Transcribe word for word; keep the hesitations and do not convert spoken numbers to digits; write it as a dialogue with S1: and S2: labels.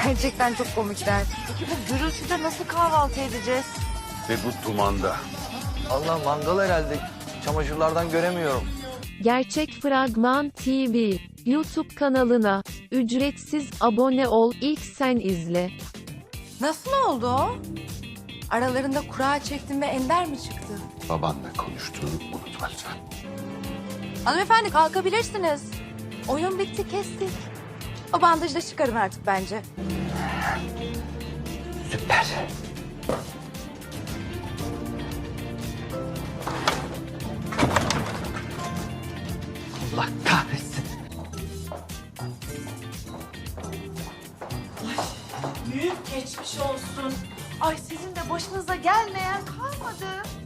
S1: Gerçekten çok komikler. Peki bu gürültüde nasıl kahvaltı edeceğiz?
S2: Ve bu dumanda.
S3: Allah mangal herhalde. Çamaşırlardan göremiyorum.
S4: Gerçek Fragman T V YouTube kanalına ücretsiz abone ol, ilk sen izle.
S1: Nasıl oldu o? Aralarında kura çektin ve Ender mi çıktı?
S2: Babanla konuştuğunu unutma lütfen.
S1: Hanımefendi kalkabilirsiniz. Oyun bitti, kestik. O bandajı da çıkarın artık bence.
S3: Süper. Allah kahretsin.
S1: Büyük geçmiş olsun. Ay sizin de başınıza gelmeyen kalmadı.